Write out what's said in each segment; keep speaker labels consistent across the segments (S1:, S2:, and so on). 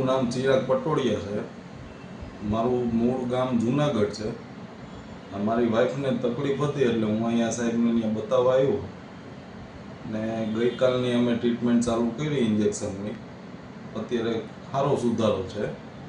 S1: મારું નામ ચિરાગ પટોડિયા છે. મારું મૂળ ગામ જુનાગઢ છે. મારી વાઈફને તકલીફ હતી એટલે હું અહીંયા સાહેબને અહીંયા બતાવવા આવ્યો ને ગઈકાલની અમે ટ્રીટમેન્ટ ચાલુ કરી ઇન્જેક્શનની. અત્યારે સારો સુધારો છે.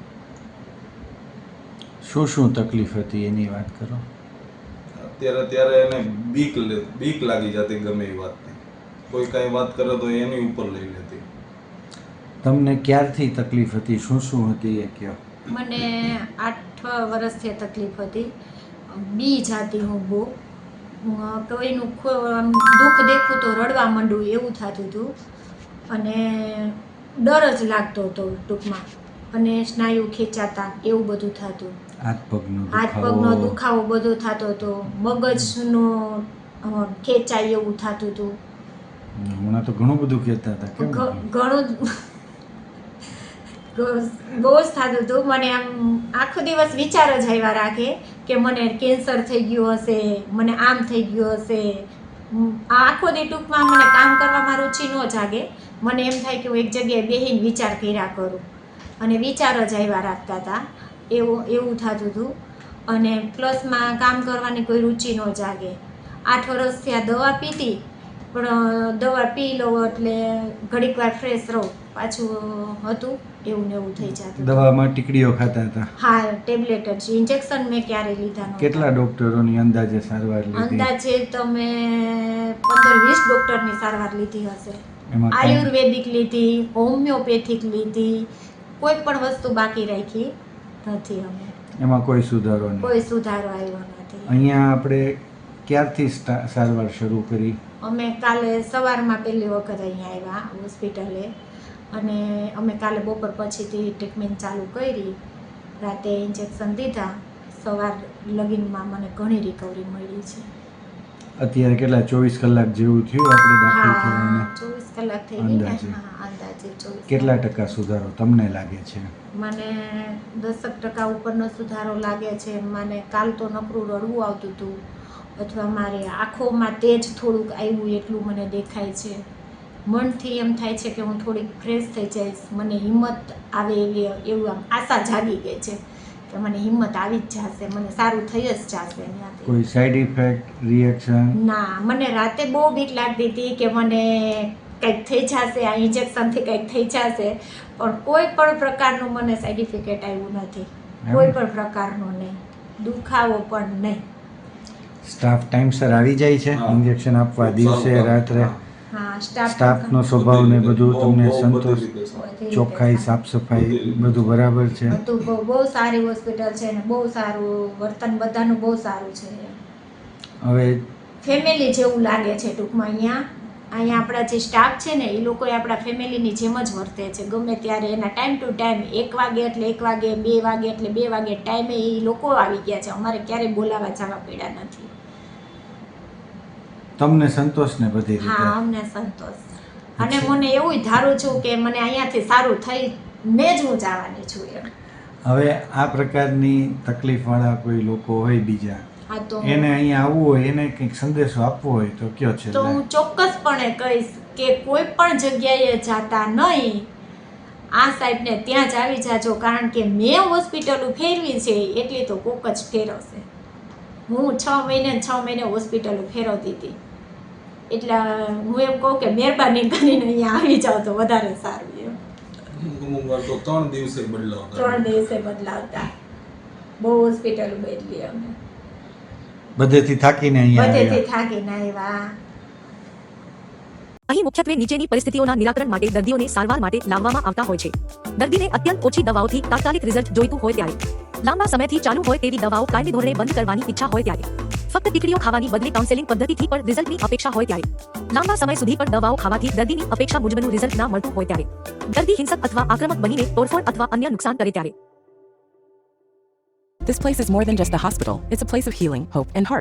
S2: શું શું તકલીફ હતી એની વાત કરો.
S1: ત્યારે એને બીક લાગી જતી ગમે એ વાતની. કોઈ કાંઈ વાત કરે તો એની ઉપર લઈ લેતી.
S2: તમને ક્યારથી તકલીફ હતી, શું શું હતી એ કહો.
S3: મને 8 વર્ષથી તકલીફ હતી. બી જાતી હું બહુ, કોઈનું દુઃખ દેખું તો રડવા માંડું એવું થતું હતું અને ડર જ લાગતો હતો ટૂંકમાં, અને સ્નાયુ ખેંચાતા એવું બધું થતું.
S2: હાથ
S3: પગનો દુખાવો બધો થતો હતો, મગજનો ખેંચાય એવું થતું હતું.
S2: હમણાં તો ઘણું બધું કહેતા હતા.
S3: ઘણું બહુ જ થતું હતું. મને આમ આખો દિવસ વિચાર જ આવ્યા રાખે કે મને કેન્સર થઈ ગયું હશે, મને આમ થઈ ગયું હશે. આખો દી ટૂંકમાં મને કામ કરવામાં રુચિ ન જાગે. મને એમ થાય કે હું એક જગ્યાએ બેસીને વિચાર કર્યા કરું, અને વિચાર જ આવ્યા રાખતા હતા. એવું થતું હતું. અને પ્લસમાં કામ કરવાની કોઈ રુચિ ન જાગે. 8 વર્ષથી આ દવા પીતી, પણ દવા પી લો એટલે ઘડીક વાર ફ્રેશ રહો, પાછું હતું એવું ને એવું થઈ જતું.
S2: દવામાં ટીકડીઓ ખાતા હતા?
S3: હા, ટેબ્લેટ જ. ઇન્જેક્શન મેં ક્યારેય લીધા નહોતા.
S2: કેટલા ડોક્ટરોની અંદાજે સારવાર લીધી?
S3: અંદાજે તમે 15-20 ડોક્ટરની સારવાર લીધી હશે. આયુર્વેદિક લીધી, હોમિયોપેથિક લીધી, કોઈ પણ વસ્તુ બાકી રાખી નથી અમે.
S2: એમાં કોઈ સુધારો નહીં?
S3: કોઈ સુધારો આવ્યો નથી.
S2: અહીંયા આપણે ક્યારથી સારવાર શરૂ કરી?
S3: અમે કાલે સવારમાં પહેલી વખત અહીંયા આવ્યા હોસ્પિટલે, અને અમે કાલે બપોર પછીથી ટ્રીટમેન્ટ ચાલુ કરી. રાતે ઇન્જેક્શન દીધા. સવાર લગીનમાં મને ઘણી રિકવરી મળી છે.
S2: અત્યારે કેટલા 24 કલાક જેવું થયું આપણે દાખલ થઈને?
S3: 24 કલાક થઈ ગઈ ને. હા, અંદાજે 24.
S2: કેટલા ટકા સુધારો તમને લાગે છે?
S3: મને 10% ઉપરનો સુધારો લાગે છે. મને કાલ તો નકરું રડવું આવતું હતું, અથવા મારે આંખોમાં તેજ થોડુંક આવ્યું એટલું મને દેખાય છે. મનથી એમ થાય છે કે હું થોડીક ફ્રેશ થઈ જઈશ, મને હિંમત આવે એવું આમ આશા જાગી ગઈ છે કે મને હિંમત આવી જ જશે, મને સારું થઈ જ જશે.
S2: કોઈ સાઈડ ઇફેક્ટ, રિએક્શન?
S3: ના, મને રાતે બહુ બીક લાગતી હતી કે મને કંઈક થઈ જશે, આ ઇન્જેક્શનથી કંઈક થઈ જશે, પણ કોઈ પણ પ્રકારનું મને સાઈડ ઇફેક્ટ આવ્યું નથી. કોઈ પણ પ્રકારનું નહીં, દુખાવો પણ નહીં.
S2: સ્ટાફ ટાઈમસર આવી જાય છે ઇન્જેક્શન આપવા, દિવસે રાત્રે?
S3: હા,
S2: સ્ટાફનો સ્વભાવ ને બધું તમને સંતોષ? ચોખ્ખાઈ, સાફ સફાઈ બધું બરાબર છે?
S3: બધું બહુ સારી હોસ્પિટલ છે ને બહુ સારું વર્તન બધાનું બહુ સારું છે.
S2: હવે
S3: ફેમિલી જેવું લાગે છે ટૂંકમાં. અહીંયા આપણા જે સ્ટાફ છે ને એ લોકો આપણા ફેમિલીની જેમ જ વર્તે છે. ગમે ત્યારે એના ટાઈમ ટુ ટાઈમ, 1 વાગે એટલે 1 વાગે, 2 વાગે એટલે 2 વાગે ટાઈમે એ લોકો આવી ગયા છે. અમારે ક્યારેય બોલાવા જવા પડ્યા નથી.
S2: તમને સંતોષ ને બધી રીતે?
S3: હા, અમને સંતોષ. અને મને એવું ધારું છું કે મને અહીંયાથી સારું થઈ ને જ હું જવાની છું એમ.
S2: હવે આ પ્રકારની તકલીફવાળા કોઈ લોકો હોય બીજા,
S3: હા, તો
S2: એને અહીંયા આવવું હોય, એને કંઈક સંદેશો આપવો હોય તો કયો છે?
S3: તો હું ચોક્કસપણે કહીશ કે કોઈ પણ જગ્યાએ જાતા નહીં, આ સાહેબને ત્યાં જ આવી જાજો. કારણ કે મેં હોસ્પિટલો ફેરવી છે એટલી તો કોક જ ફેરવશે. હું 6 મહિને હોસ્પિટલો ફેરવતી હતી. એટલે હું એમ કહું કે મહેરબાની કરીને અહીંયા આવી જાઓ તો વધારે સારું એમ.
S1: અમુક વાર તો 3 દિવસે બદલાવતા.
S3: 3 દિવસે બદલાવતા. બહુ હોસ્પિટલો બદલી અમે.
S2: બધેથી થાકીને અહીંયા
S3: બધેથી થાકીને આવ્યા.
S4: અહીં મુખ્યત્વે નીચેની પરિસ્થિતિઓના નિરાકરણ માટે દર્દીઓને સારવાર માટે લાવવામાં આવતા હોય છે. દર્દીને અત્યંત ઓછી દવાઓથી તાત્કાલિક રિઝલ્ટ જોઈતું હોય ત્યારે, લાંબા સમયથી ચાલુ હોય તેવી દવાઓ કાયમી ધોરણે બંધ કરવાની ઈચ્છા હોય ત્યારે, ફક્ત ટીકડીઓ ખાવાની બદલે કાઉન્સેલિંગ પદ્ધતિથી પણ રિઝલ્ટની અપેક્ષા હોય ત્યારે, લાંબા સમય સુધી પણ દવાઓ ખાવાથી દર્દીની અપેક્ષા મુજબનું રિઝલ્ટ ના મળતું હોય ત્યારે, દર્દી હિંસક અથવા આક્રમક બનીને તોડફોડ અથવા અન્ય નુકસાન કરે ત્યારે.
S5: This place is more than just a hospital. It's a place of healing, hope, and heart.